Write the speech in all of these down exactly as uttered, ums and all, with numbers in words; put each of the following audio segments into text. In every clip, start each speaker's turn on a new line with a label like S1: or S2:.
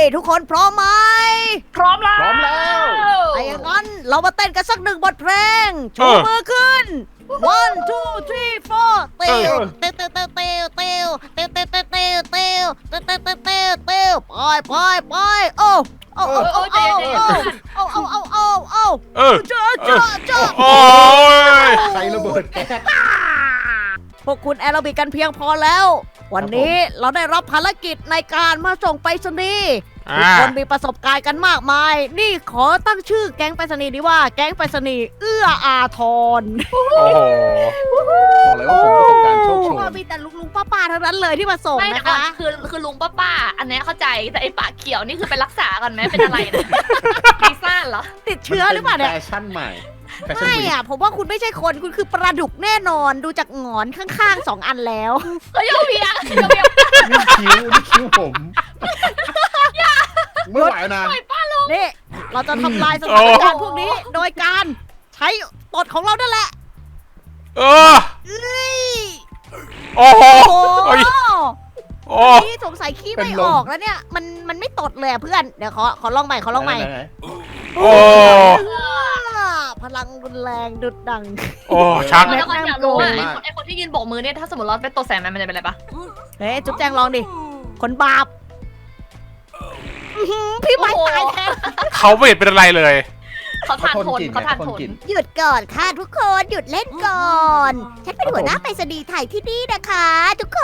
S1: ทุกคนพร้อมไหม
S2: พร้อมแล้ว
S3: พร้อมแล้ว
S1: ถ้าอย่างนั้นเรามาเต้นกันสักหนึ่งบทเพลงชูมือขึ้น one two three four เตียวเตียวเตียวเตียวเตียวเตียวเตียวเตียวเตียวเตียวเตียวเตียวเตียวเตียวเตียวเตียวไปไปไปโอ้โอ้โอ้โอ้โอ้โอ้โอ้โอ้โอ้โอ้
S4: เออ
S1: เจ้าเจ้าเจ้า
S4: โอ้ย
S3: ใครระเบิดแก๊ส
S1: พวกคุณแอโรบิกกันเพียงพอแล้ว วันนี้เราได้รับภารกิจในการมาส่งไปรษณีย์ทุกคนมีประสบการณ์กันมากมาย นี่ขอตั้งชื่อแก๊งไปรษณีย์นี้ว่าแก๊งไปรษณีย์เอื้ออาทร
S4: โอ้โห
S3: บอกเลยว่าผมประสบการณ์โชคโชน
S1: มีแต่ลุงลุงป้าป้าๆทั้งนั้นเลยที่มาส่ง
S2: ไม่
S1: นะ
S2: นะคะ
S1: คะ
S2: คือคือลุงป้าป้าอันนี้เข้าใจแต่ไอ้ปากเขียวนี่คือไปรักษากันไหมเป็นอะไรนะปีซ่าจเหรอ
S1: ติดเชื้อหรือเปล่าเนี่ย
S3: แฟชั่นใหม่แฟชั่น
S1: ไม่
S3: วี
S1: อะผมว่าคุณไม่ใช่คนคุณคือปลาดุกแน่นอนดูจากหงอนข้างๆสองอันแล้ว
S2: ก็โยเบียโยเบีย
S3: นี่คิ้วนี่คิ้วผมไม่ไหวนะ
S1: นี่เราจะทำลายสถานการณ์พวกนี้โดยการใช้ตดของเรานั่นแหละ
S4: เออ
S1: เอ้ย
S4: โอ้โห
S1: โอ้
S4: เฮ้ย โอ้
S1: นี่สงสัยขี้ไม่ออกแล้วเนี่ย มันมันไม่ตดเลยอะเพื่อน เดี๋ยวขอขอลองใหม่ขอลองใหม่
S3: ไหน
S4: โอ้
S1: พลังรุนแรงดุดดัง
S4: โอ้ชัก
S2: แล้วก็อยากรู้ว่าไอ้คนไอ้คนที่ยืนโบกมือเนี่ยถ้าสมมติเราเป็นตัวแสงมันมันจะเป็นอะไรปะ
S1: เฮ้ยจุ๊บแจงลองดิ คนบาปอื้อหือพี่ไม้ตายแทน
S4: เขาไม่เห็นเป็นอะไรเลย
S2: เขาทานทนเขาทานทน
S1: หยุดก่อนค่ะทุกคนหยุดเล่นก่อน ฉันเป็นหัวหน้าไปรษณีย์ไทยที่นี่นะคะ ทุกคน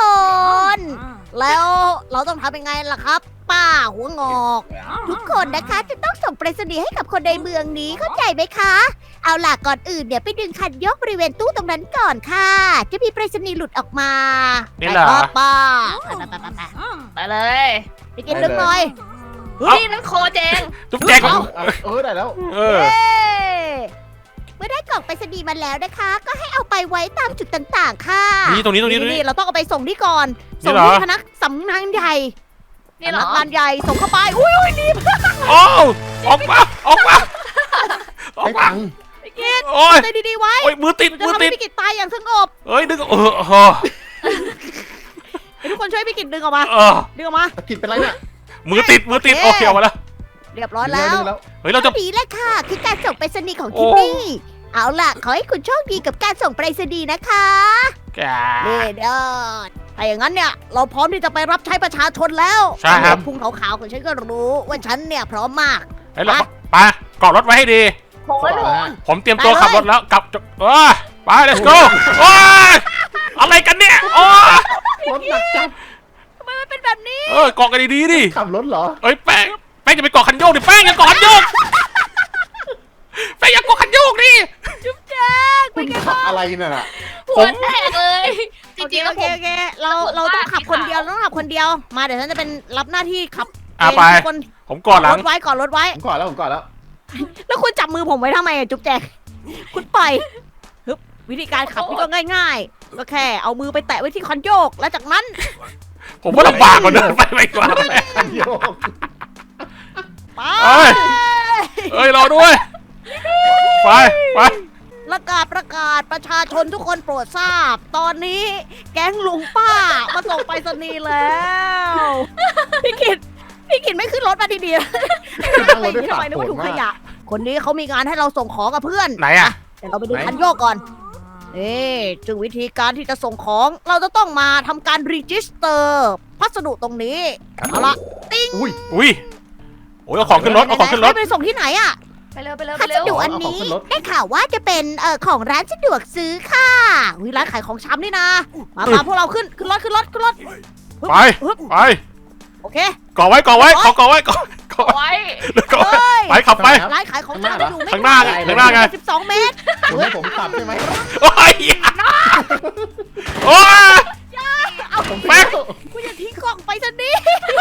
S1: แล้วเราต้องทำยังไงล่ะครับ ป้าหัวงอก ทุกคนนะคะจะต้องส่งไปรษณีย์ให้กับคนในเมืองนี้เข้าใจไหมคะ เอาล่ะก่อนอื่นเนี่ยไปดึงคันยกบริเวณตู้ตรงนั้นก่อนค่ะ จะมีไปรษณีย์หลุดออกมา
S4: นี่เหรอ
S1: ไปครับป้าไปไปไปไป
S2: ไปเลย
S1: ไปกินดึงหน่อย
S2: นี่นั่นโคเจง
S4: จุ๊บแจง
S3: เอาเอาเออได้แล้ว
S4: เออ
S1: เย้เมื่อได้กล่องไปรษณีย์มาแล้วนะคะ ก็ให้เอาไปไว้ตามจุดต่างๆ ค่ะ
S4: นี่ตรงนี้ตรงนี้ตรงนี้
S1: เราต้องเอาไปส่งที่ก่อน
S4: นี่
S1: ส่ง
S4: เหรอ
S1: ที่คณะสำนักงานใหญ่
S2: นี่เหรอ
S1: สำนักงานใหญ่ส่งเข้าไป อุ้ยอุ้ยนี่
S4: โอ้ออกมาออกมาออก
S3: ให้
S4: มา
S3: ตังค์
S1: พี่กิต
S4: โอ้ย
S1: ใจดีๆไว้
S4: โอ้ยมือติด
S1: จะ
S4: มือ
S1: ทำ
S4: ติ
S1: ให้
S4: ด
S1: พี่กิตตายอย่างสงบ
S4: เอ้ยดึงเออเออ
S1: ให้ทุกคนช่วยพี่กิตดึงออกมา
S4: เออ
S1: ดึงออกมา
S3: ตะกิดเป็นไรเนี่ย
S4: มือติดมือติด
S1: โอ
S4: โอ
S1: เค
S4: เคเอามาแล้ว
S1: เรียบร้อยแล้ว
S3: ดึงแล้ว
S4: เฮ้ยเราจะ
S1: ดีเลยค่ะ คือการส่งไปรษณีย์ของที่นี่ เอาล่ะ ขอให้คุณโชคดีกับการส่งไปรษณีย์นะคะ
S4: แก
S1: นี่เด้อถ้าอย่างนั้นเนี่ย เราพร้อมที่จะไปรับใช้ประชาชนแล้ว
S4: ใช่ครับ
S1: พุงขาวๆของฉันก็รู้ว่าฉันเนี่ยพร้อมมาก
S4: เฮ้ยเราไปเกาะรถไว้ให้ดี
S2: โอ้ยโห
S4: ผมเตรียมตัว
S1: ไปเลย
S4: ขับรถแล้วกลับเออไป let's go โอ้ยอะไรกันเนี่ยโอ้ย
S3: รถหนักจับ
S1: ทำไมมันเป็นแบบนี้
S4: เออเกาะกันดีๆดิ
S3: ขับรถเหรอ
S4: เอ้ยแป้งแป้งจะไปเกาะคันโยกดิแป้งอย่าเกาะคันโยกแป้งอย่าเกาะคันโยกดิ
S1: จุ๊บแจ๊ก
S3: คุณขับอะไรน่ะ
S2: หัวแตกเลย จ
S1: โอเค
S2: ริงๆแล้
S1: โอ
S2: ว
S1: เค
S2: ผม
S1: โอเคเราเราต้องขับคนเดียวเราต้องขับคนเดียว มาเดี๋ยวฉันจะเป็นรับหน้าที่ขับ
S4: อ่ะไป
S1: ทุกคน
S4: ผมเกาะหลัง
S1: รถไว้ก่อนรถไว้
S3: ผมก่อนแล้วผมก่อนแล้ว
S1: แล้วคุณจับมือผมไว้ทำไมอะจุ๊บแจ๊กคุณปล่อยฮึบวิธีการขับนี่ก็ง่ายๆ ก็แค่เอามือไปแตะไว้ที่คันโยก แล้วจากนั้น
S4: ผมว่าลำบากกว่าเดินไปไปกว่า
S3: โยก
S1: ไป
S4: เอ้ย เอ้ยรอด้วยไปไป
S1: ประกาศประกาศประชาชนทุกคนโปรดทราบ ตอนนี้แก๊งลุงป้ามาส่งไปรษณีย์แล้วพี่กิตพี่กิตไม่ขึ้นรถมาทีเดียว
S3: นั่งรถด้วย
S1: ทำ
S3: ปาก
S1: ไมนึก
S3: โผล่
S1: ว่าถุงข
S3: มาก
S1: ยะ คนนี้เขามีงานให้เราส่งของกับเพื่อน
S4: ไหนอ่ะ
S1: เดี๋ยวเราไปดูคันโยกก่อนนี่จึงวิธีการที่จะส่งของ เราจะต้องมาทำการรีจิสเตอร์พัสดุตรงนี้ เอาละ
S3: อุ้ย
S4: อุ้ยโอ้ยเอาของขึ้นรถเอาของขึ้นรถ
S1: ให้ไปส่งที่ไหนอะ
S2: ไปเร็วไปเร็วไป
S1: พัส
S2: เร็ว
S1: ดุอันนี้ได้ข่าวว่าจะเป็นเอ่อของร้านสะดวกซื้อค่ะวิร้านขายของชำนี่นะ มามาพวกเราขึ้นขึ้นรถขึ้นรถขึ้นรถ
S4: ไป
S1: ฮึบ
S4: ไป
S1: โอเค
S4: เกาะไว้เกาะไว้ขอเกาะไว้เกาะเกาะไว้
S2: ไว้
S4: เกาะไว้
S1: เฮ้ย
S4: ไปขับไป
S1: ร้านขายของชำจะอยู่ไม่
S4: ข้างหน้าไงข้างหน้าไง
S1: สิบสองเมตร
S3: คุณให้ผมขับใช่ไหม
S4: โอ้ยโอ้ย
S1: เอา
S3: ผม
S4: แป๊ก
S1: คุณอย่าทิ้งกล่องไปซะนี่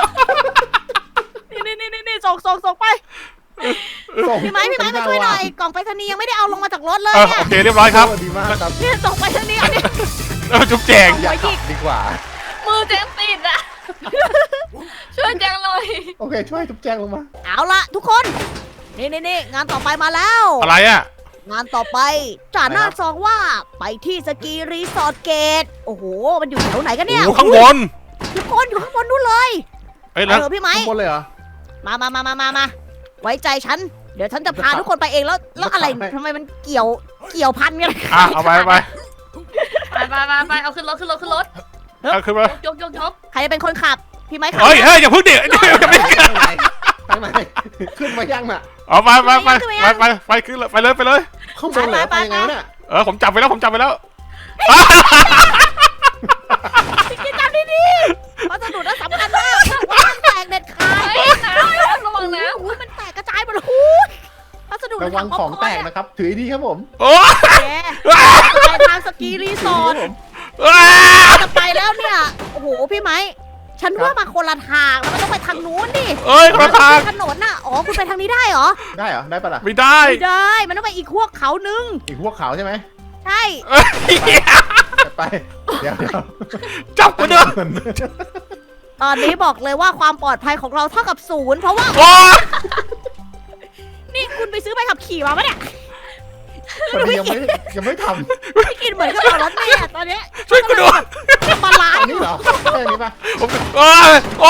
S1: นี่นี่นี่นี่ส่งส่งส่งไป
S3: ส่ง
S1: พี่ไม้พี่ไม้มาช่วยหน่อยกล่องไปรษณีย์ยังไม่ได้เอาลงมาจากรถเลย
S4: เออ
S1: เนี่ย
S4: โอเคเรียบร้อยครับ
S3: ดีมากครับ
S1: เนี่ยส่งไปรษณีย์เอาเนี่ย
S4: เออจุ๊บแจง
S3: อย่าขับดีกว่า
S2: มือแจงติดอะช่วยแจงหน่อย
S3: โอเคช่วยทุบแจ้งลงมา
S1: เอาละทุกคน นี่นี่นี่งานต่อไปมาแล้ว
S4: อะไรอ่ะ
S1: งานต่อไปจ่าหน้าซองว่าไปที่สกีรีสอร์ทเกต โอ้โห มันอยู่แถวไหนกันเนี่ย
S4: โอ้ข้างบน
S1: ทุกคนอยู่ข้างบนนู้นเลย
S4: เอ้ยแล้ว
S1: เออพี่ไม้
S3: ข้างบนเลยเหรอ
S1: มามามามามามาไว้ใจฉัน เดี๋ยวฉันจะพาทุกคนไปเองแล้ว แล้วอะไรทำไมมันเกี่ยว เกี่ยวพันกัน
S4: อ่ะเอาไปไป
S2: ไปไปไปไปเอาขึ้นรถขึ้นรถขึ้นรถ
S4: เอาขึ้นมาย
S2: กยกยก
S1: ใครจะเป็นคนขับ พี่ไม้ขับ
S4: เฮ้ยเฮ้ยอย่าเพิ่งเดี๋ยวเดี๋ยวจะไม่
S3: ข้างในข้างในขึ้นมายังน่ะ
S4: เอาไปไปไปไปไปไปขึ้นเลยไปเลยไปเลย
S3: ข้างบนเลยไปยังไงเนี่ย
S4: เออผมจับไปแล้วผมจับไปแล้ว
S1: พี่กินจำดีๆเพราะสนุนน่ะสำคัญมากว่ามันแตกเด็ดขาด
S2: เฮ้ยน้ำระวังนะ
S1: อุ้ยมันแตกกระจายหมดเลยอุ้ยพัสดุ
S3: ระวังของแตกนะครับ ถือดีครับผม
S4: โอ้
S1: แกไปทางสกีรีสอร์ท จะไปแล้วเนี่ย โอ้โห พี่ไม้ ฉันว่ามาคนละทางแล้วมันต้องไปทางนู้นดิ
S4: เอ้ยคนละทาง
S1: ถนนน่ะ อ๋อ คุณไปทางนี้ได้เหรอ
S3: ได้เหรอได้ปะล่ะ
S4: ไม่ได้
S1: ไม่ได้ มันต้องไปอีกพวกเขานึง
S3: อีกพวกขาวใช่ไหม
S1: ใช่
S4: เอ้ย
S3: ไปเดี๋ยวเดี๋ยว
S4: จับกูเด้อ
S1: ตอนนี้บอกเลยว่าความปลอดภัยของเราเท่ากับศูนย์เพราะว่า
S4: โอ้
S1: นี่คุณไปซื้อใบขับขี่มาปะเนี่ย
S3: คนนี้ยังไม่ยังไม่ท
S1: พี่กินเหมือนกับเรารถเมล์อะตอนเนี้ย
S4: ช่วยกูด้วย
S1: มาล้า
S3: ำ
S1: ง
S3: อันนี้เหรอใช่อันนี้ปะ
S4: ผมโอ้ยโอ้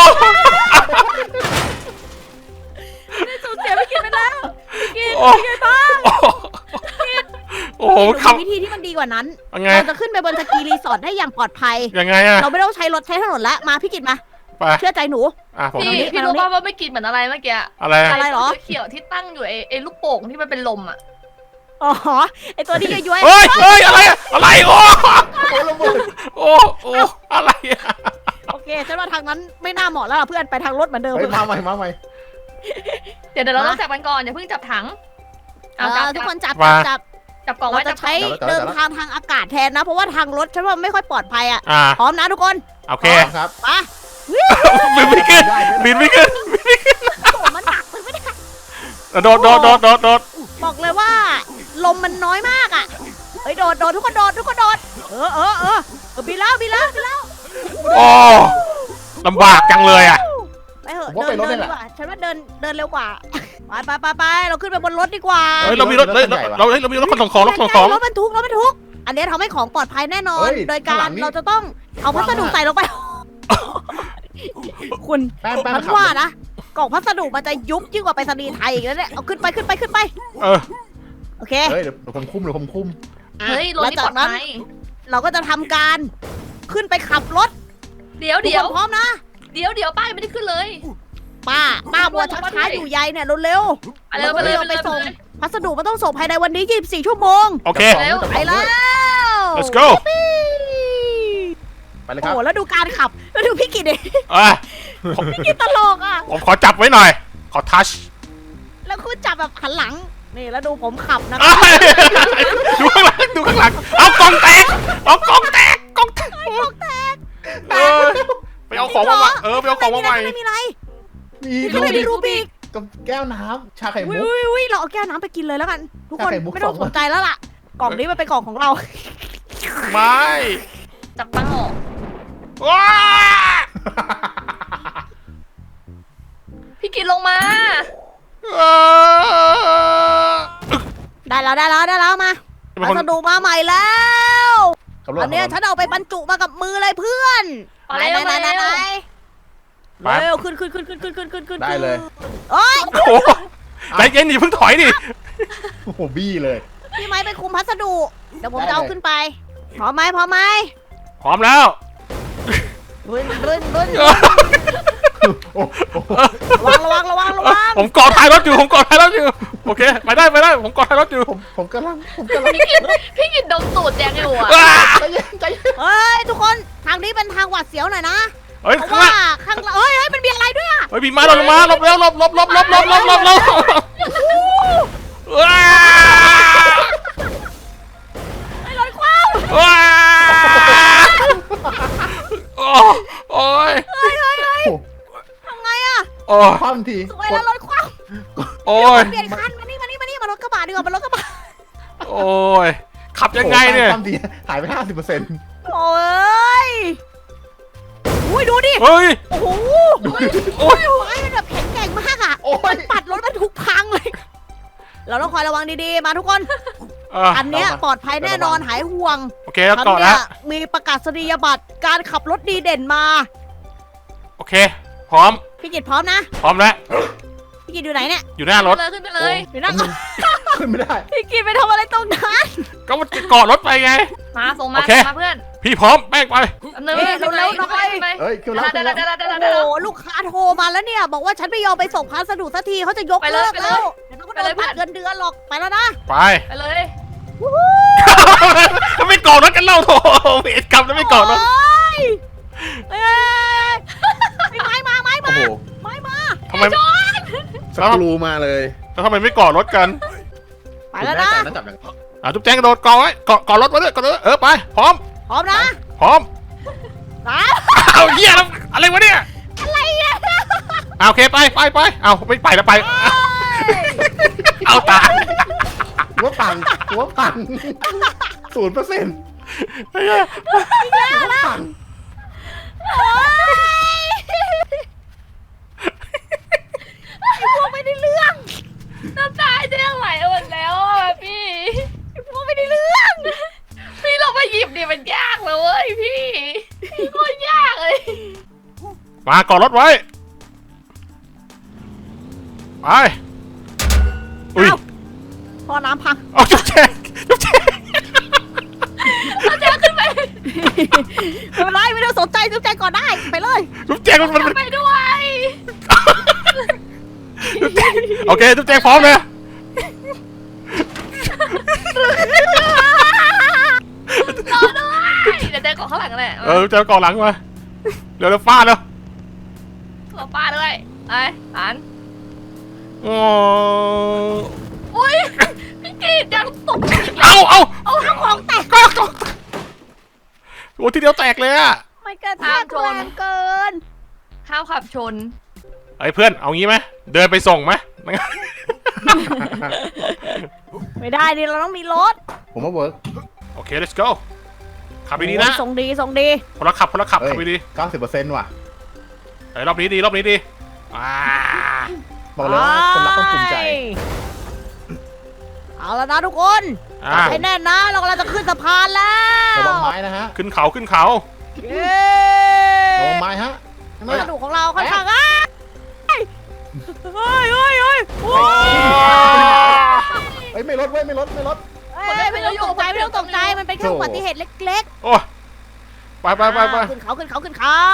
S1: ได้สูญเสียพี่กินไปแล้วพี่กิน
S4: โอ้
S1: เป็นไงบ้าง
S4: โอ้โห
S1: เรา
S4: ขับ
S1: มีวิธีที่มันดีกว่านั้น
S4: ยังไง
S1: เราจะขึ้นไปบนสกีรีสอร์ทได้อย่างปลอดภัย
S4: ยังไงอะ
S1: เราไม่ต้องใช้รถใช้ถนนแล้ว มาพี่กิตมา
S4: ไป
S1: เชื่อใจหนู
S4: อ่ะผม
S2: พี่พี่รู้ป่าวว่าไม่กินเหมือนอะไรเมื่อกี้
S4: อะไร
S1: อะไรเหรอ
S2: เขียวที่ตั้งอยู่ไอ้ไอ้ลูกโป่งที่มันเป็นลมอ่ะ
S1: อ๋อ ไอตัวที่ย้วยๆ
S4: เฮ้ยเฮ้ยอะไรอะอะไรโอ้
S3: โอ้ระเบิด
S4: โอ้โอ้อะไรอะ
S1: โอเคฉันว่าทางนั้นไม่น่าเหมาะแล้วล่ะเพื่อนไปทางรถเหมือนเดิม
S3: เฮ้ยมาใหม่มาใหม่
S2: เดี๋ยวเดี๋ยวเราต้องจับกันก่อนอย่าเพิ่งจับถัง
S1: เอ
S2: เอาจับ
S1: อทุกคนจับ
S4: มา
S1: จับจับ
S2: จับกล่อง
S1: เรา
S2: ไว้
S1: จะ
S2: จับกล่
S1: ใช้
S2: อง
S1: เดินทางทางอากาศแทนนะ เพราะว่าทางรถฉันว่าไม่ค่อยปลอดภัยอ่ะ
S4: อ่า
S1: พร้อมนะทุกคน
S4: โอเค
S3: ครับ
S1: มา
S4: บินไม่ขึ้นบินไม่ขึ้น
S1: โอ้โหมันหนักมันไม่ได้
S4: โดดโดดโดดโดดโดด
S1: บอกเลยว่า ลมมันน้อยมากอ่ะเฮ้ยโดดโดดทุกคนโดดทุกคนโดดเออเออเออเออบินแล้วบินแล้วบินแล้ว
S4: โอ้ลำบากจังเลยอ่ะ
S1: ไปเถอะเดินเดินดีกว่าฉันว่าเดินเดินเร็วกว่าไปไปไปไปเราขึ้นไปบนรถดีกว่า
S4: เฮ้ยเรามีรถเราเราเรามีรถขนส่งของรถขนส่งของ
S1: รถบรรทุกรถบรรทุก อันนี้ทำให้ของปลอดภัยแน่นอน โดยการเราจะต้องเอาพัสดุใส่ลงไป คุณ
S3: แป้งแป้ง
S1: มัน
S3: ขับ
S1: ว่านะกล่องพัสดุมันจะยุบยิ่งกว่าไปรษณีย์ไทยอีกแล้วเนี่ยเอาขึ้นไปขึ้นไปขึ้นไป
S4: เออ
S1: โอเค
S3: เฮ้ยเดี๋ยวผมคุ้มเดี๋ยวผมคุ้ม
S2: เฮ้ยรถนี่ปลอดภัย
S1: เราก็จะทำการขึ้นไปขับรถ
S2: เดี๋ยวเดี๋ยว
S1: ทุกคนพร้อมนะ
S2: เดี๋ยวเดี๋ยวป้ายังไม่ได้ขึ้นเลย
S1: ป้าป้าบัวชักช้าอยู่ใยเนี่ยเร็ว
S2: ไปเลยไปเลยไปเลย
S1: ส่งพัสดุมันต้องส่งภายในวันนี้ยี่สิบสี่ชั่วโมง
S4: โอเค
S2: เร็ว
S1: ไปแล้ว
S4: let's go
S3: ไปเลย
S1: โอ้
S3: ครับ
S1: โหแล้วดูการขับแล้วดูพี่กิตดิ
S4: อ่ะผม
S1: พี่กิตตลกอ่ะ
S4: ผมขอจับไว้หน่อย ขอทัช
S1: แล้วคุณจับแบบหันหลัง นี่แล้วดูผมขับนะ
S4: ดูข้างหลังดูข้างหลังเอากล่องแตกเอากล่องแตกกล่องแตก
S1: กล่องแตก
S4: เออไปเอาของมาใหม่เออไปเอาของมาใหม่
S1: ไม่มีอะไร
S3: มี
S1: ไม่มีอะไรมีรูบิก
S3: กับแก้วน้ำชาไข่
S1: อุ้
S3: มุ
S1: ย
S3: ก
S1: อุ้ยอุ้ยเราเอาแก้วน้ำไปกินเลยแล้วกัน ทุกคน
S3: ไข่มุก
S1: ไม่ต้อง
S3: ส
S1: ส
S3: อง
S1: นใจแล้วล่ะ กล่องนี้มันเป็นกล่องของเรา
S4: ไม่
S2: จับปังออก
S4: ว้า
S2: พี่กินลงมา
S4: เออ
S1: ได้แล้วได้แล้วได้แล้วมา
S4: เป็น
S1: พั
S4: คน
S1: สดุมาใหม่แล้ว
S3: ขับรถ
S1: อันเนี้ยฉันเอาไปบรรจุมากับมือเลยเพื่อน
S2: มาเร็ว
S1: ไหน
S2: มา
S1: ไหน
S2: เร็ว
S1: ไหน
S4: ไป
S1: เร็วขึ้นขึ้นขึ้นขึ้นขึ้นขึ้นขึ้นขึ้น
S3: ได้เลย
S1: โอ้ย
S4: โอ้โหใจเย็นดิเพิ่งถอยดิ
S3: โอ้โหบี้เลย
S1: พี่ไม้ไปคุมพัสดุ เดี๋ยวผม
S3: ได้
S1: จะเอา
S3: เลย
S1: ขึ้นไป พร้อมไหมพร้อมไหม
S4: พร้อมแล้ว
S1: รุนรุนรุน
S3: โอ้โห
S1: ระวังระวังระวังระวัง
S4: ผมเกาะท้ายรถอยู่ผมเกาะท้ายรถอยู่โอเคไปได้ไปได้ผมเกาะท้ายรถอยู่
S3: ผมผมกำลังผมกำลัง
S2: พี่กินพี่กินดมตูดแจงอยู่อ่ะ
S4: ว้า
S3: ใจเย็นใจเย็น
S1: เฮ้ยทุกคนทางนี้เป็นทางหวาดเสียวหน่อยนะ
S4: เฮ้ย
S1: เพราะ
S4: ข้าง
S1: ว่า
S4: ล่าง
S1: ข้างหลังเฮ้ยเฮ้ยมันมีอะไรด้วยอะ
S4: เฮ้ยบีมาเราลงมาหลบเร็วหลบหลบหลบหลบหลบหลบหลบหลบว้า
S1: ไอ้รถคว้าว
S4: ว้าโอ้โอ้ย
S1: เฮ้ยเฮ้ยเฮ้ยทำไงอะ
S4: โอ้
S3: คว่ำที
S1: สวยแล้วรถคว้าว
S4: โอ้ย
S1: เปลี่ยนคันมานี่มานี่มานี่มารถกระบะดีกว่ามารถกระบะ
S4: โอ้ยขับยังไงเนี่ย
S3: คว่ำทีหายไปห้าสิบเปอร์เซ็นต์
S1: โอ้ยอุ้ยดูดิ
S4: เฮ้ย
S1: โอ้โห
S4: โอ้ย
S1: ไม้มันแบบแข็งแกร่งมากอะ
S3: โอ้ย
S1: ปัดรถบรรทุกพังเลย เราต้องคอยระวังดีๆ มาทุกคน
S4: อ่ะ
S1: อันเนี้ยปลอดภัยแน่นอนหายห่วง
S4: โอเคแล้ว
S1: ฉัน
S4: เกาะ
S1: เนี่
S4: แล้
S1: ยว มีประกาศนียบัตรการขับรถดีเด่นมา
S4: โอเค พร้อม
S1: พี่กิตพร้อมนะ
S4: พร้อมแล้ว
S1: พี่กินอยู่ไหนเนี่ย
S4: อยู่หน้ารถ
S2: ขึ้นไปเลย
S1: อยู่นั่ง
S3: ขึ้นไม่ได้
S1: พี่กินไปทำอะไรตรงนั้น
S4: ก็มันเกาะรถไปไง
S2: มาส่งมา
S4: โอเค
S2: ส่งมาเพื่อน
S4: พี่พร้อมแป้งไป
S2: อันนึงขึ้นไปขึ้นไปขึ้นไป
S3: เฮ้ยขึ้นแล้วขึ้นแล้ว
S2: เดี๋ยวเดี๋ยวเดี๋ยว
S1: โอ้
S2: เดี๋ยว
S1: โหลูกค้าโทรมาแล้วเนี่ย บอกว่าฉันไม่ยอมไปส่งพัสดุสักทีเขาจะยก
S2: ไปเล
S1: เลิ
S2: ย
S1: ก
S2: ไปเลย
S1: แล้วเดี๋ยวเขาก็โด
S2: ไปเล
S1: น
S2: ย
S1: พักเงินเดือนหรอกไปแล้วนะ
S4: ไป
S2: ไปเลย
S4: ก็ไม่เกาะรถกันเล่าโถเวรกรรมแล้วไม่เกาะรถ
S1: โอ้ยเอ้ยไม้มาไม้
S3: โอ้
S1: มา
S3: โห
S1: ไม้มา
S4: ทำไม
S3: สกรูมาเลย
S4: แล้วทำไมไม่เกาะรถกัน
S1: ไปแล้วนะ
S3: คุณน่าจับอย่าง
S4: อ่ะจุ๊บแจงกระโดดเกาะไว้เกาะเกาะรถไว้ด้วยเกาะรถเออไปพร้อม
S1: พร้อมนะ
S4: พร้อม
S1: สาม
S4: เอาเหี้ยแล้วอะไรวะเนี่ย
S1: อะไรเนี่ย
S4: เอาโอเคไปไปไปเอาไม่ไปแล้วไป เอาตาย
S3: หัวปังหัวปังศูนย์เปอร์เซ็นต์หัวปัง
S1: โอ้ยไอ้พวกไม่ได้เรื่อง
S2: น้ำตาจะไหลหมดแล้วอ่ะพี่
S1: ไอ้พวกไม่ได้เรื่อง
S2: พี่เราไปหยิบดิมันยากเลยเว้ยพี่พี่โคตรยากเลย
S4: มาเกาะรถไว้ไปอุ้ย
S1: เอ้าพอน้ำพัง
S4: เอาจุ๊บแจงจุ๊บแจง
S2: เราจะขึ้นไป
S1: ไม่เป็นไรไม่ต้องสนใจสนใจก่อนได้ไปเลย
S4: จุ๊บแจงมันมันมัน
S2: ไปด้วย
S4: จุ๊บแจงโอเคจุ๊บแจงพร้อมเลย
S2: รอด้วยเดี๋ยวเดินก่อนข้างหลังแหละ
S4: เออจุ๊บแจงเกาะหลังมาเร็วเร็วฟาดเร็ว
S2: ตัวป้าด้วยไปหัน
S4: โอ้
S2: อุ้ยพี่กีดยังตกใจอีก
S4: เอาเอา
S1: เอาทั้งของแตก
S4: ก็ก็โอ้ทีเดียวแตกเลยอะ
S1: ไม่กระแทกแรงเกิน
S2: ข้าวขับชน
S4: ไอ้เพื่อนเอางี้ไหมเดินไปส่งไหม
S1: ไม่ได้ดิเราต้องมีรถ
S3: ผมว่าเวิร์ก
S4: โอเค let's go ขับดีๆนะ
S1: โอ้ยส่งดีส่งดี
S4: คนละขับคนละขับขับดี
S3: เก้าสิบเปอร์เซ็นต์ว่ะ
S4: ๆเฮ้ยรอบนี้ดีรอบนี้ดีอ่า
S3: บอกเลยว่าคนรักต้องภูมิใจ
S1: เอาแล้วนะทุกคน
S4: อ่า
S1: ให้แน่นนะเรากำลังจะขึ้นสะพานแล้ว
S3: ระวังไม้นะฮะ
S4: ขึ้นเขาขึ้นเขา
S1: เย้
S3: ระวังไม้ฮะข้างห
S1: พั
S3: น้า
S1: สดุของเราค่อนข้างอ่ะเฮ้ยเฮ้ยเฮ้ยเฮ้ยโอ้ย
S3: เอ้ยไม่ลดเว้ยไม่ลดไม่ลด
S1: เอ้ยไม่ต้องตกใจไม่ต้องตกใจมันเป็นแค่อุบัติเหตุเล็ก
S4: โอ้ไปไป
S1: ๆ
S4: ไปไป
S1: อ่าขึ้นเขาขึ้นเขาขึ้นเขา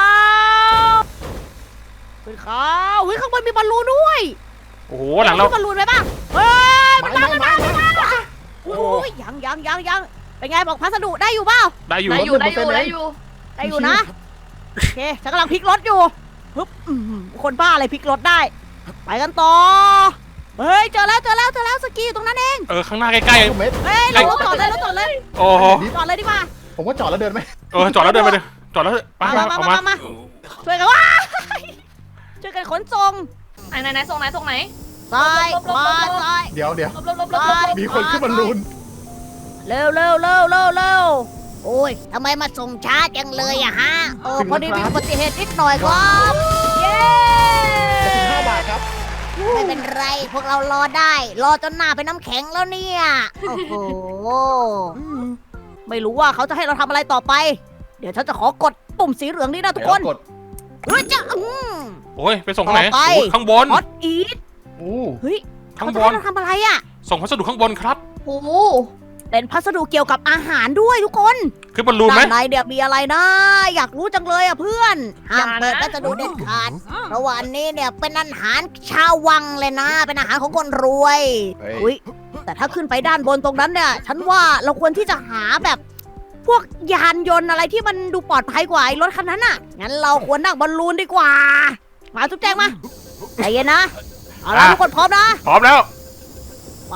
S1: ขึ้นเขาเฮ้ยข้างบนมีบอลลูนด้วย
S4: โอ้โหหลังเรา
S1: มีบอลลูนไหมบ้างเฮ้ย
S3: ไม้ไม้ไม้ไม้
S1: โอ้ยยังยังยังยังเป็นไงบอกพัสดุได้อยู่เปล่า
S4: ได้อยู่
S2: ได้อยู่ได้อยู่ได้อยู่
S1: ได้อยู่นะโอเคฉันกำลังพลิกรถอยู่ฮึบอื้อหือคนบ้าอะไรพลิกรถได้ ไปกันต่อเฮ้ยเจอแล้วเจอแล้วเจอแล้วสกีอยู่ตรงนั้นเอง
S4: เออข้างหน้าใกล้
S3: ทุกเม็ด
S1: เฮ้ยเรารถจอดเลยรถจอดเลย
S4: ๆโอ้โห
S1: จอดเลยดีกว่า
S3: ผมว่าจอดแล้วเดินไหม
S4: เออจอดแล้วเดินไปเลยจอดแล้วไป
S1: มา
S4: มา
S1: มา
S4: ออก
S1: มา
S4: มา
S1: มามาช่วยกันว้าช่วยกันขนส่ง
S2: ไหนไหนไหนส่งไหนส่งไหน
S1: ซ้ายขวาซ้าย
S3: เดี๋ยวเดี๋ยว
S2: ลบลบลบลบลบ
S3: มีคนขึ้นบอลลูน
S1: เร็วเร็วเร็วเร็วเร็วโอ้ยทำไมมาส่งช้าจังเลยอะฮะโอ้พอดีมีอุบัติเหตุนิดหน่อยครับเย้
S3: จะถึงห้าบาทครับ
S1: ไม่เป็นไรพวกเรารอได้ รอจนหน้าเป็นน้ำแข็งแล้วเนี่ยโอ้โหไม่รู้ว่าเขาจะให้เราทำอะไรต่อไป เดี๋ยวฉันจะขอกดปุ่มสีเหลืองนี่นะทุกคน
S3: กด
S1: เฮ้ยจะอืม
S4: โอ้ยไปส่งข้างไหน
S1: ต่อไป
S4: โอ้ยข้างบน
S1: ฮอตอีท
S3: อู้
S1: เฮ้ย
S4: ข้า
S1: เขา
S4: ง
S1: จะ
S4: บ
S1: ให้
S4: น
S1: เราทำอะไรอะ
S4: ส่งพัสดุข้างบนครับ
S2: โอ้โห
S1: เป็นพัสดุเกี่ยวกับอาหารด้วยทุกคน
S4: ขึ้นบอลลูนไหม
S1: ด้านในเดี๋ยวมีอะไรนะ อยากรู้จังเลยอ่ะเพื่อนห้ามเปิดพัสดุเด็ดขาดเพราะว่าอันนี้เนี่ยเป็นอาหารชาววังเลยนะ เป็นอาหารของคนรวย
S3: เฮ้ย
S1: อุ้ยแต่ถ้าขึ้นไปด้านบนตรงนั้นเนี่ย ฉันว่าเราควรที่จะหาแบบ พวกยานยนต์อะไรที่มันดูปลอดภัยกว่าไอ้รถคันนั้นอ่ะ งั้นเราควรนั่งบอลลูนดีกว่า มาทุกแจงมาใจเย็นนะ เอาละทุกคนพร้อมนะ
S4: พร้อมแล้ว
S1: ไป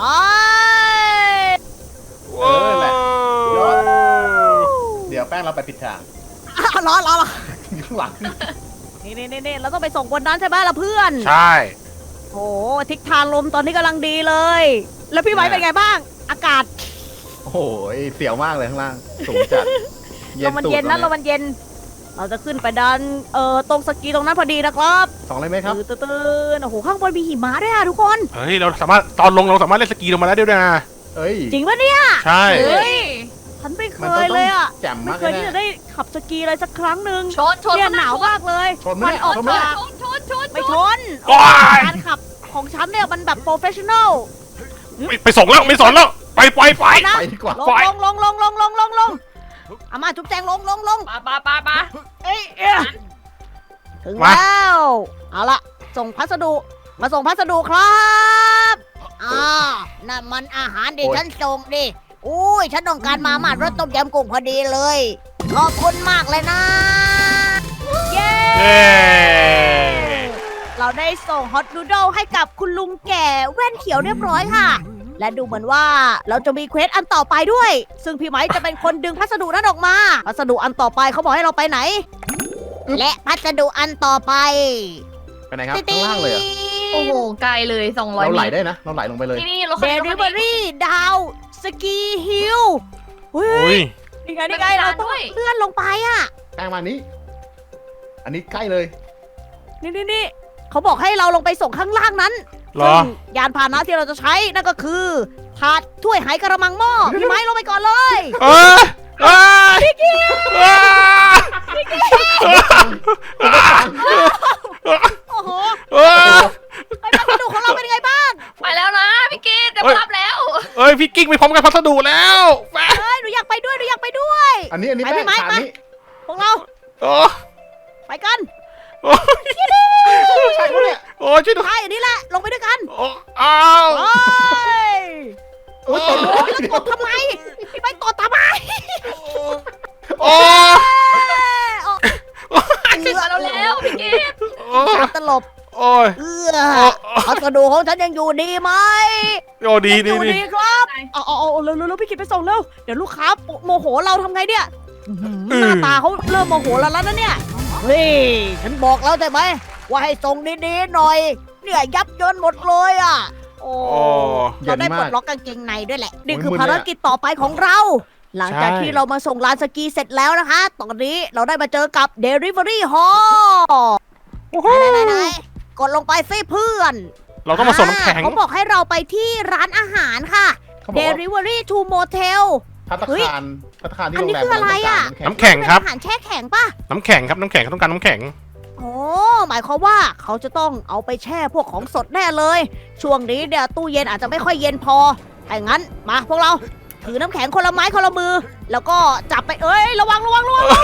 S3: เออแหละ ยอด เดี๋ยวแป้งเราไปผิดทาง
S1: อ้าวรอรอรอ
S3: อยู่ข้างหลัง
S1: นี่นี่นี่เราต้องไปส่งบนนั้นใช่ไหมล่ะเพื่อน
S4: ใช่
S1: โอ้ทิศทางลมตอนนี้กำลังดีเลย แล้วพี่ไม้เป็นไงบ้าง อากาศ
S3: โอ้โหเสียวมากเลยข้างล่าง สูงจัด
S1: ลมมันเย็นนะลมมันเย็น เราจะขึ้นไปดันเอ่อตรงสกีตรงนั้นพอดีนะครับ
S3: สองเลยไหมครับ
S1: ตื่นตื่นโอ้โหข้างบนมีหิมะด้วยอะทุกคน
S4: เฮ้ยเราสามารถตอนลงเราสามารถเล่นสกีลงมาได้ด้วยนะ
S3: เอ้ย
S1: จริงปะเนี่ย
S4: ใช่
S1: เฮ้
S2: เฮ้
S1: ย
S2: ย
S1: ฉันไม่เค
S3: มันต้อง
S1: ยเลยอะ
S3: แจ่ม
S1: ไม่
S3: มาก
S1: เค
S3: เลย ย
S1: ที่
S3: นะ
S1: จะได้ขับสกีเลยสักครั้งหนึ่ง
S2: ชนชน
S1: เนี่ยหนาวมากเลย
S3: ชนไหม
S1: มัน
S3: เนี่ย
S1: ออก
S3: ชนไหม
S1: มา
S2: ชนชนชน
S1: ไม่ชน
S4: โอ้ย
S1: การขับของฉันเนี่ยมันแบบโปรเฟชชั่นอล
S4: ไม่ไปส่งแล้วไม่สอนแล้วไปไปไป
S1: นะ
S3: ไปดีกว่า
S1: ลงลงลงลงลงลงลงลงเอามาจุ๊บแจงลงลงลง
S2: ปาปาปาปา
S1: เอ้ยเอ้ยถึงแล้วเอาละส่งพัสดุมาส่งพัสดุครับอ่านั่นมันอาหารดิฉันส่งดิอุ้ยฉันต้องการมาม่ารสต้มยำกุ้งพอดีเลยขอบคุณมากเลยนะเย้
S4: เย้
S1: เราได้ส่งฮอตนูโดลให้กับคุณลุงแก่แว่นเขียวเรียบร้อยค่ะ และดูเหมือนว่าเราจะมีเควสอันต่อไปด้วย ซึ่งพี่ไม้จะเป็นคนดึงพัสดุนั้นออกมา พัสดุอันต่อไปเขาบอกให้เราไปไหน และพัสดุอันต่อไป
S3: ไปไหนครับข้างล่างเลยเหรอ
S2: โอ้โหไกลเลยสองร้อย
S3: เราไหล
S2: เมตร
S3: ได้นะเราไหลลงไปเลย
S2: นี่นี่รถ
S1: เด
S2: คันนี้
S1: ลิ
S2: รถ
S1: เว
S2: คั
S1: อน
S2: นี้
S1: รี่ดาวสกีฮิลเฮ้
S4: อุ้
S1: ย
S4: ย
S1: นี่ไงนี่ไงเราต้องเลื่อนลงไปอ่ะ
S3: แป้งมานี้ อันนี้ใกล้เลย
S1: นี่นี่นี่เขาบอกให้เราลงไปส่งข้างล่างนั้น
S4: เหรอ
S1: ซึ่งยานพาหนะที่เราจะใช้นั่นก็คือถาดถ้วยไหกระมังหม้อพี่ไม้ลงไปก่อนเลย
S4: เออเออเออ
S1: โอ้โห
S4: เออ
S1: ไอ้พัสดุของเราเป็นยังไงบ้าง
S2: ไปแล้วนะพี่กีดจะ
S4: เอ้ย
S2: รับแล้ว
S4: เอ้ยพี่กิ๊กไปพร้อมกันพัสดุแล้วแม่
S1: เฮ้ยหนูอยากไปด้วยหนูอยากไปด้วย
S3: อันนี้อันนี้
S1: ไป
S3: แป้
S1: พี่
S3: ง
S1: ไม้
S3: ขา
S1: ไป
S3: นี้
S1: พวกเรา
S4: โอ้
S1: ไปกัน
S4: โอ้ย
S3: ใช่ปะเนี่ย
S4: โอ้ยช่วยด้วย
S1: ใช่อันนี้แหละลงไปด้วยกัน
S4: โอ้อ้าว
S1: โอ้ย
S3: โอ้ยตก
S1: โอ้ยแล้วกดทำไมพี่ไม้กดทำไม
S4: โอ้
S1: เอ้ย
S2: ถึงมาแล้วแล้วพี่กีด
S4: โอ้
S1: เอาตลบ
S4: โอ้ย
S1: เอื้อพัสดุของฉันยังอยู่ดีไหม
S4: โอ้ดีดี
S1: อยู่
S4: ดี
S1: ดีครับเอาเอาเอาเร็วเร็วเร็วพี่กิตไปส่งเร็วเดี๋ยวลูกค้าโมโหเราทำไงเนี่ยอื้อหือหน้าตาเขาเริ่มโมโหเราแล้วนะเนี่ยเฮ้ยฉันบอกแล้วใช่ไหมว่าให้ส่งดีๆหน่อย เนี่ยยับเยินหมดเลยอ่ะโอ้
S4: โอ้
S1: เราได้ปลดล็อกกางเกงในด้วยแหละนี่คือภารกิจต่อไปของเรา หลังจากที่เรามาส่งลานสกีเสร็จแล้วนะคะ ตอนนี้เราได้มาเจอกับ Delivery Hall ไหนไหนไหนกดลงไปสิเพื่อน
S4: เราต้องมาส่งน้ำแข็ง
S1: เขาบอกให้เราไปที่ร้านอาหารค่ะ
S3: เขาบอกว่า
S1: Delivery to Motel
S3: พัตตา
S1: เฮ้ย
S3: คารพัตตาคารที่
S1: อัน
S3: โร
S1: นี้
S3: งแรม
S1: คืออะไรอะ
S3: น้ำแข็ง
S4: น้ำแข็งครับ
S1: เป็นอาหารแช่แข็งป่ะ
S4: น้ำแข็งครับน้ำแข็งเขาต้องการน้ำแข็ง
S1: โอ้หมายความว่าเขาจะต้องเอาไปแช่พวกของสดแน่เลย ช่วงนี้เนี่ยตู้เย็นอาจจะไม่ค่อยเย็นพอถ้าอย่างนั้นมาพวกเราถือน้ำแข็งคนละไม้คนละมือ แล้วก็จับไปเอ้ยระวังระวังระวัง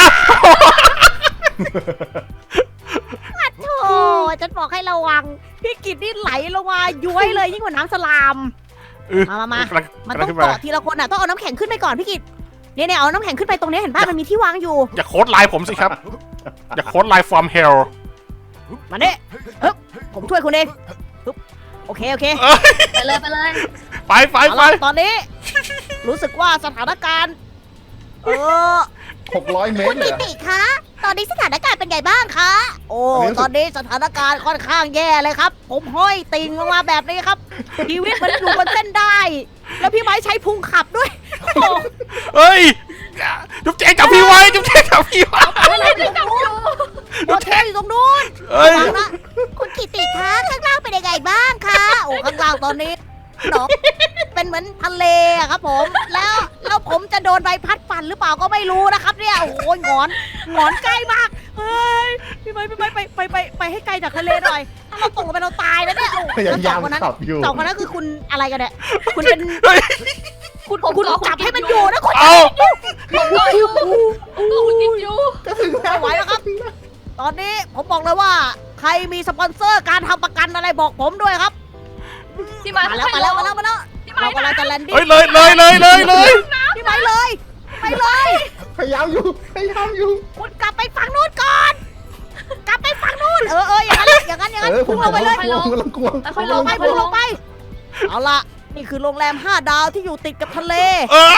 S1: โธ่ฉันบอกให้ระวังพี่กิตนี่ไหลลงมาย้วยเลยยิ่งกว่าน้ำสลาม
S4: เออ
S1: มามามา
S4: กำลัง
S1: มัน
S4: กำลั
S1: ต้อง
S4: งขึ้นมา
S1: เกาะทีละคนอ่ะต้องเอาน้ำแข็งขึ้นไปก่อนพี่กิตเนี่ยเนี่ยเอาน้ำแข็งขึ้นไปตรงนี้เห็นป่ะมันมีที่วางอยู่
S4: อย่าโค้ดไลน์ผมสิครับ อย่าโค้ดไลน์ from hell
S1: มาเนี่ยฮึบผมช่วยคุณเองฮึบโอเคโอเค
S2: ไปเลยไปเลย
S4: ไปไป
S1: เอา
S4: ไป
S1: ล่ะตอนนี้ รู้สึกว่าสถานการณ์ เออ
S3: หกร้อยเมต
S1: คุ
S3: ร
S1: ณ
S3: เลย
S1: นิ
S3: เหรอ
S1: ติคะ ตอนนี้สถานการณ์เป็นไงบ้างคะ โอ้
S3: อันนี้รู้สึก
S1: ตอนนี้สถานการณ์ค่อนข้างแย่เลยครับ ผมห้อยติงลงมาแบบนี้ครับชีวิตมันอยู่บนเส้นได้ แล้วพี่ไม้ใช้พุงขับด้วยโอ้โห
S4: เฮ้ยจุ๊บแจงจับพี่ไว้จุ๊บแจงจับพี่ไว้
S2: อะไรที่จับอยู่
S1: โฮเทลอยู่ตรงนู้น
S4: เอ้ย
S1: ระวังนะคุณกิติคะข้างล่างเป็นยังไงบ้างคะโอ้ข้างล่างตอนนี้หนองเป็นเหมือนทะเลอะครับผม แล้วแล้วผมจะโดนใบพัดปั่นหรือเปล่าก็ไม่รู้นะครับเนี่ยโอ้โหหงอนหงอนใกล้มากเฮ้ยพี่ไม้พี่ไม้ไปไปไปไปให้ไกลจากทะเลหน่อยถ้าเราตกลงไปเราตายแล้วเนี่ยโอ้
S3: พยา
S1: แล้วส
S3: ยา
S1: อ
S3: ม
S1: งคนนั้น
S3: ขับอยู่
S1: สองคนนั้นคือคุณอะไรกันเนี่ยคุณเป็น
S4: เฮ้ย
S1: คุณคุณจับให้มันอยู่นะคุณ
S4: เอา
S2: ผมก็อยู่ผมก็คุณกินอยู่
S3: จะถึงแล้ว
S1: ไม่ไหวแล้วครับ ตอนนี้ผมบอกเลยว่า ใครมีสปอนเซอร์การทำประกันอะไรบอกผมด้วยครับ
S2: พี่มา
S1: มาแล้วมาแล้วมาแล้วมาแล้ว
S2: พี่
S1: เรา
S2: มาก
S1: ำลังจะแลนดิ้ง
S4: เฮ้ยเลยเลยเลยเลยเลย
S1: พี่ไม้เลย ไปเลย
S3: พยายามอยู่พยายามอยู่
S1: คุณกลับไปฝั่งนู้นก่อน กลับไปฝั่งนู้น เออเอออย่างนั้นแหละอย่างนั้นอย่างนั้น
S3: เออผ
S1: พุ่
S3: ม
S1: งลงไปเลย
S3: กลัวผมกำลังกลัว
S2: แล้ว
S1: พุ่
S2: ค่อย
S1: ง
S2: ล
S1: ล
S2: ง
S1: งไป
S2: ค่อย
S1: พุ่ง
S2: ล
S1: ล
S2: ง
S1: งไป เอาล่ะ นี่คือโรงแรมห้าดาวที่อยู่ติดกับทะเล
S4: เออ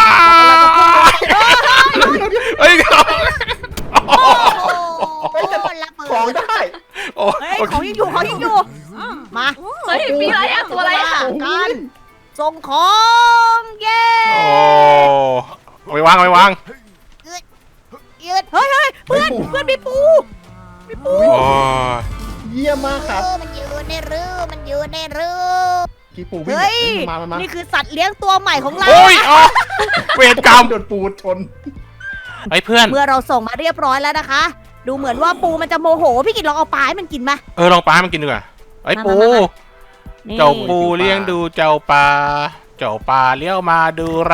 S4: เฮ้ย
S1: โอ้โหระเบิด
S3: ของได้
S4: โอ้
S1: เฮ้ยของยังอยู่ของยังอยู่ มา
S2: เฮ้ยมีอะไรอะตัวอะไรอะ
S1: กันส่งของเย้
S4: โอ้เอาไปวางเอาไปวาง
S1: ยืดเฮ้ยเฮ้ยเพื่อนเพื่อนมีปูมีปู
S4: โอ้
S3: เยี่ยมมากครับ
S1: มันอยู่ในรูมันอยู่ในรู
S3: กี่ปูวิ่ง
S1: เฮ้ย
S3: มามามา
S1: นี่คือสัตว์เลี้ยงตัวใหม่ของเรา
S4: โอ้ยอ๋อเวรกรรม
S3: โดนปูชน
S4: ไอ้เพื่อน
S1: เมื่อเราส่งมาเรียบร้อยแล้วนะคะ ดูเหมือนว่าปูมันจะโมโห พี่กินลองเอาปลาให้มันกินไหม
S4: เออลองปลาให้มันกินดีกว่าไอ้ปู
S1: มามามานี่
S4: เจ้าปูเลี้ยงดูเจ้าปลาเจ้าปลาเลี้ยวมาดูเรา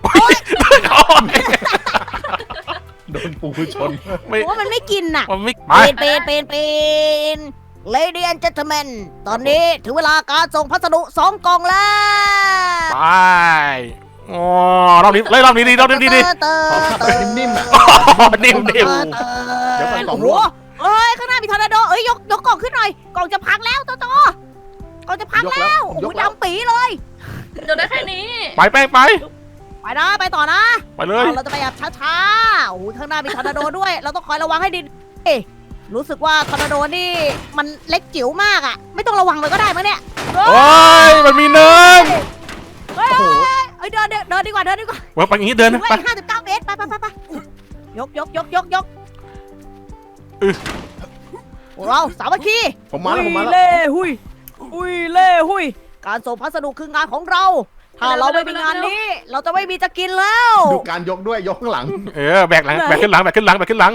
S3: โดนปูชน
S4: ไม่
S1: ว่ามันไม่กินน่ะ
S4: มันไม่ไป
S1: เป็นเป็นเป็นเป็นเลดี้แอนด์เจนเทลแมนตอนนี้ถึงเวลาการส่งพัสดุสองกล่องแล้ว
S4: ไปอ๋อรอบนี้เลยรอบนี้ดีรอบนี้ดีดี
S1: เตอ
S3: ขอ
S1: ร์
S3: ขับ
S1: เต
S3: ไป
S1: อร์
S3: นิ่มๆอ่ะ
S4: นิ่มนิ่ม
S3: เดี๋ยวก่อนกล่อง
S1: โอ้
S3: ร่
S1: โห
S3: วง
S1: เอ้ยข้างหน้ามีทอร์นาโดเอ้ยยกยกกล่องขึ้นหน่อยกล่องจะพังแล้วโตโตกล่องจะพัง
S3: ยก
S1: แล้
S3: แล้ว ว
S1: โอ้
S3: ย
S1: โห
S3: กแล้ว
S1: ดำปีเลย
S2: เดี๋ยวได้แค่นี้
S4: ไปแป้งไป
S1: ไปนะไปต่อนะ
S4: ไปเลย
S1: เอาเราจะไปแบบช้าๆโอ้โหข้างหน้ามีทอร์นาโดด้วย เราต้องคอยระวังให้ดีเอ๊ะรู้สึกว่าทอร์นาโดนี่มันเล็กจิ๋วมากอะไม่ต้องระวังเลยก็ได้มั้งเนี่ย
S4: โอ้ยมันมีเนิน
S1: เฮ้ย
S3: โอ้โห
S1: เฮ้ยเดินเดินเดินดีกว่าเดินดีกว่า
S4: เว้ยไปอย่างนี้เดิน
S1: ถึ
S4: นะ
S1: งเว
S4: ไป
S1: ลาห้าสิบเก้าเมตรไปไปไปไปยกยกยกยกยก
S4: อื้อ
S1: พวกเราสามัคคี
S3: ผมมาแล้วผมมาแล้ว
S1: เล่หุยหุยเล่หุยการส่งพัสดุคืองานของเรา ถ้าเราไม่มีงานนี้ เราจะไม่มีจะกินแล้ว
S3: ดูการยกด้วยยกข้างหลัง
S4: เออแบกหลังแบกขึ้นหลังแบกขึ้นหลังแบกขึ้นหลัง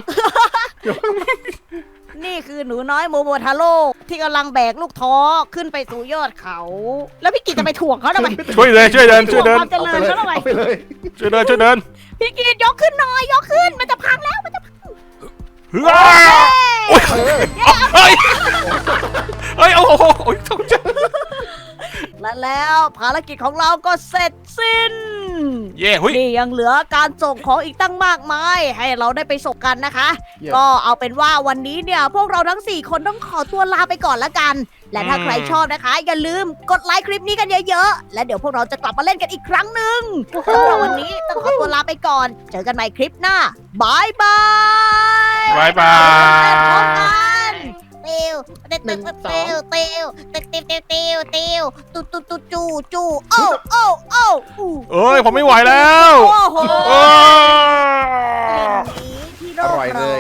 S1: นี่คือหนูน้อยโมโมทาโร่ที่กำลังแบกลูกท้อขึ้นไปสู่ยอดเขา แล้วพี่กิจจะไปถ่วงเขาทำไม
S4: ช่วยเลยช่วยเดินช่วยเดิน
S1: ความเจริญเขาทำไม
S3: เอาไปเลย
S4: ช่วยเดินช่วยเดิน
S1: พี่กิจยกขึ้นหน่อยยกขึ้นมันจะพังแล้วมันจะพัง
S4: เฮ้ยโอ้ย
S3: เออ
S4: เฮ้ยเฮ้ยโอ้โหโอ้ยตกใจ
S1: และแล้วภารกิจของเราก็เสร็จสิ้น
S4: เย่หุย
S1: นี่ยังเหลือการส่งของอีกตั้งมากมาย ให้เราได้ไปส่งกันนะคะ
S3: เยี่ยม
S1: ก็เอาเป็นว่าวันนี้เนี่ย พวกเราทั้ง สี่ คนต้องขอตัวลาไปก่อนละกัน และถ้าใครชอบนะคะ อย่าลืมกดไลค์คลิปนี้กันเยอะๆ และเดี๋ยวพวกเราจะกลับมาเล่นกันอีกครั้งหนึ่งสำหรับวันนี้ต้องขอตัวลาไปก่อน เจอกันใหม่คลิปหน้าบายบาย
S4: บายบา
S1: พร้อม
S4: ย
S1: กันเตียวเตียวเตียวเตียวเตียวเตียวเตียวเตียวเตียวเตียวตูตูตูจูจูโอ้โอ้โอ้
S4: เอ้ยผมไม่ไหวแล้ว
S1: โอ้โห
S4: โอ้ย